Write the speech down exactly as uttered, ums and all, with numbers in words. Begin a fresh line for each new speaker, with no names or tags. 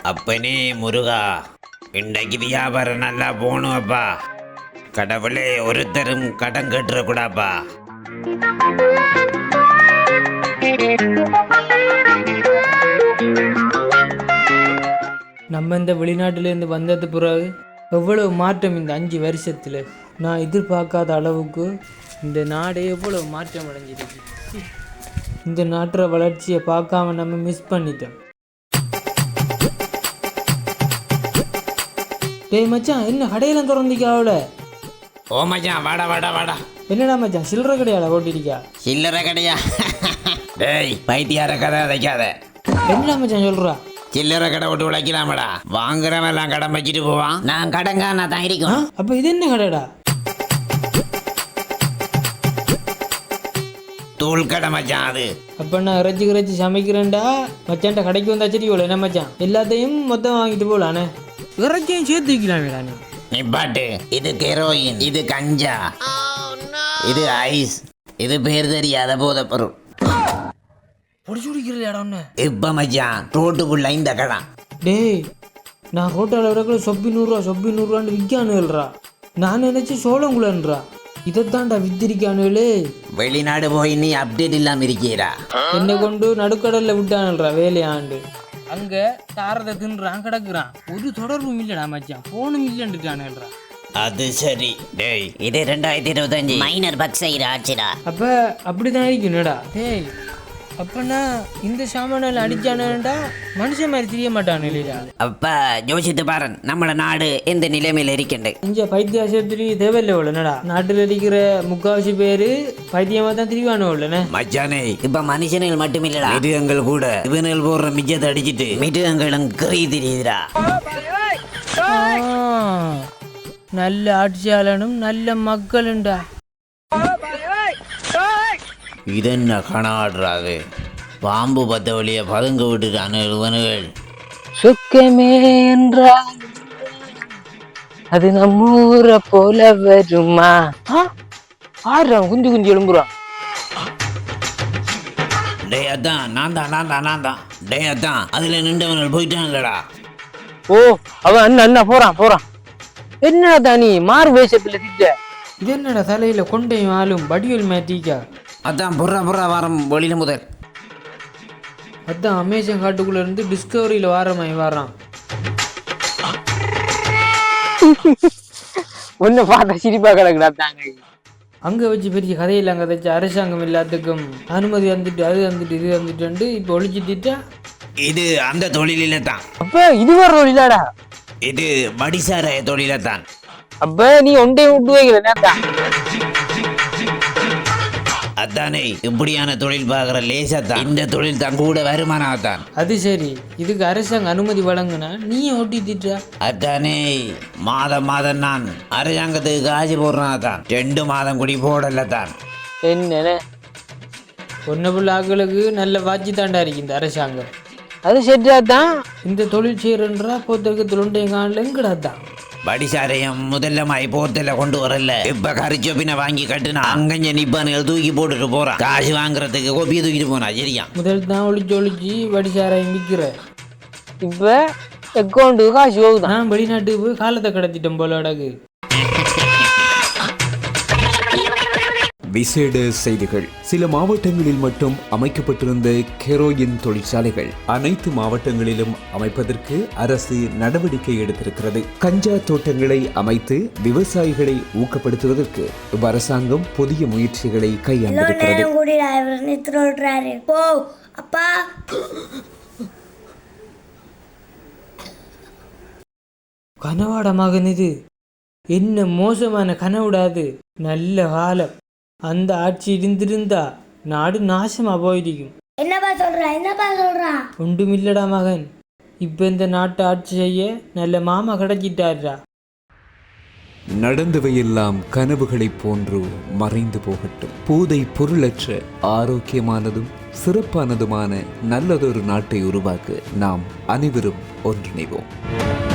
அப்பனே முருகா, இன்றைக்கு வியாபாரம் நல்லா போகணும் அப்பா. கடவுளே, ஒருத்தரும் கடன் கட்டுறக்கூடாப்பா.
நம்ம இந்த வெளிநாட்டிலேருந்து வந்தது பிறகு எவ்வளவு மாற்றம் இந்த அஞ்சு வருஷத்தில். நான் எதிர்பார்க்காத அளவுக்கு இந்த நாடே எவ்வளவு மாற்றம் அடைஞ்சிருக்கு. இந்த நாட்டோட வளர்ச்சியை பார்க்காம நம்ம மிஸ் பண்ணிட்டோம். டேய் மச்சான், என்ன கடையெல்லாம் திறந்திக்காவல?
ஓ மச்சான், வாடா வாடா வாடா.
என்னடா மச்சான், சில்லறை கடையால ஓட்டிருக்கா?
சில்லறை கடையா? டேய் பைத்தியார கதை அதைக்காத.
என்னடா மச்சான் சொல்றா?
சில்லறை கடை விட்டு உழைக்கலாமடா. வாங்குறவன் எல்லாம் கடன் வச்சுட்டு போவான். நான் கடங்க நான் தான் இருக்கும்.
அப்ப இது என்ன கடைடா?
தூள் கடை மச்சான் அது.
அப்ப நான் இறைச்சி இறைச்சி சமைக்கிறேன்டா. மச்சான்ட்ட கடைக்கு வந்தா சரி போல என்ன மச்சான், எல்லாத்தையும் மொத்தம் வாங்கிட்டு போலானே. இறைச்சியும் சேர்த்து வைக்கலாமேடா நீ.
நீ பாட்டு, இது கெரோயின், இது கஞ்சா, இது ஐஸ், இது பேர் தெரியாத போத பொருள்.
பொடிச்சு குடிக்கிறா ஒன்று.
இப்ப மச்சான் ரோட்டுக்குள்ள இந்த கடை.
டேய், நான் ரோட்டால் விடக்குள்ள சொப்பி நூறுரூவா சொப்பி நூறுரூவான்னு விற்கானுல்றா. நான் நினைச்சு சோளங்குலன்றா. இதைத்தான்டா வித்திரிக்கானுலே.
வெளிநாடு போய் நீ அப்டேட் இல்லாம இருக்கீரா?
என்னை கொண்டு நடுக்கடல்ல விட்டானுல்றா வேலையாண்டு. அங்க தாரதை தின்றான் கிடக்குறான். ஒரு தொடர்பும் இல்லடா மச்சான், போனும் இல்லைன்னுட்டானுல்றா.
அது சரி. டேய், இது ரெண்டாயிரத்தி இருபத்தஞ்சு மைனர் பக்ஸ் ஆச்சுடா.
அப்ப அப்படிதான் இருக்கணும்டா. டேய், அப்பனா இந்த சாமானில் அடிச்சானுடா மனுஷன் மாதிரி தெரிய மாட்டானு இல்லையா?
அப்ப யோசித்து பாரு, நம்மள நாடு எந்த நிலைமையில இருக்கின்ற.
இங்க பைத்திய ஆஸ்பத்திரி தேவையில்லை உள்ளனடா. நாட்டில் இருக்கிற முக்காவாசி பேரு பைத்தியமா தான் திரிவானு உள்ளன
மச்சானே. இப்ப மனுஷனுகள் மட்டும் இல்லடா, மிருகங்கள் கூட இவனுகள் போடுற மிச்சத்தை அடிச்சுட்டு மிருகங்களும் கறி தெரியுதுடா.
நல்ல ஆட்சியாளனும் நல்ல மக்களுண்டா.
இதென்ன கணாடுறாது? பாம்பு பத்த வழிய பதுங்க விட்டுட்டானு இவனுகள்.
சுக்கமே என்றால் அது நம்ம ஊரை போல வருமா? ஆடுறான், குஞ்சு குஞ்சு எழும்புறான்.
டே அதான், நான் தான் நான் தான் நான் தான். டே அதான், அதுல நின்றவர்கள் போயிட்டான்லடா.
ஓ, அவன் அண்ணா அண்ணா போறான் போறான். என்னடா தானி மாறு வேஷத்துல திட்ட? இது என்னடா தலையில கொண்டையும் ஆளும் வடிவல் மேட்டிக்கா?
அதான் புறா புறா வாரம் வெளியில முதல்.
அதான் அமேசான் காட்டுக்குள்ள இருந்து டிஸ்கவரியில வாரமாய் வாரான். ஒன்னு பார்த்தா சிரிப்பா கிடக்குறாங்க. அங்க வச்சு பெரிய கதையெல்லாம் கதைச்சு அரசாங்கம் எல்லாத்துக்கும் அனுமதி வந்துட்டு அது வந்துட்டு இது வந்துட்டு இப்ப ஒழிச்சுட்டா.
இது அந்த தொழில தான்.
அப்ப இது ஒரு தொழிலாடா?
இது மடிசார தொழில தான்.
அப்ப நீ ஒன்றை விட்டு வைக்கிறேன்.
அதானே, இப்படியான தொழில் பார்க்குற லேசாத்தான். இந்த தொழில் தான் கூட வருமானம் தான். அது
சரி, இதுக்கு அரசாங்கம் அனுமதி வழங்குனா நீ ஓட்டிட்டா?
அதானே, மாதம் மாதம் நான் அரசாங்கத்துக்கு காசு போடுறான் தான். ரெண்டு மாதம் குடி போடல தான்.
என்ன ஒன்னு புள்ள ஆக்களுக்கு நல்ல வாட்சி தாண்டா இருக்கு இந்த அரசாங்கம். அது சரியா தான். இந்த தொழில் செய்யறன்றா போத்திருக்க தொழில் காணல எங்கடா தான்.
படிசாரையும் முதல்ல மாய் போர்த்தல கொண்டு வரல. இப்ப கரிச்சோப்பின வாங்கி கட்டுனா அங்கஞ்ச நிப்பானுகள் தூக்கி போட்டுட்டு போறான். காசு வாங்குறதுக்கு கோப்பியை தூக்கிட்டு போனா. சரியா,
முதல் தான் ஒளிச்சு ஒளிச்சு படிசாரையும் விற்கிற. இப்ப அக்கௌண்ட்டு காசு போகுது. நான் வெளிநாட்டுக்கு போய் காலத்தை கடத்திட்டோம் போல அடகு.
விசேட செய்திகள். சில மாவட்டங்களில் மட்டும் அமைக்கப்பட்டிருந்த கெரோயின் தொழிற்சாலைகள் அனைத்து மாவட்டங்களிலும் அமைப்பதற்கு அரசு நடவடிக்கை எடுத்திருக்கிறது. கஞ்சா தோட்டங்களை அமைத்து விவசாயிகளை ஊக்கப்படுத்துவதற்கு அரசாங்கம் புதிய முயற்சிகளை கையாண்டிருக்கிறது.
கனவாட மகன், இது என்ன மோசமான கனவுடாது. நல்ல காலம். அந்த ஆட்சி இருந்திருந்தா நாடு நாசமா போயிருக்கும்.
என்னப்பா சொல்றா என்னப்பா சொல்றா?
ஒன்றும் இல்லடா மகன், இப்ப இந்த நாட்டை ஆட்சி செய்ய நல்ல மாமா கிடைச்சிட்டாரா.
நடந்தவையெல்லாம் கனவுகளைப் போன்று மறைந்து போகட்டும். போதை பொருளற்ற ஆரோக்கியமானதும் சிறப்பானதுமான நல்லதொரு நாட்டை உருவாக்க நாம் அனைவரும் ஒன்றிணைவோம்.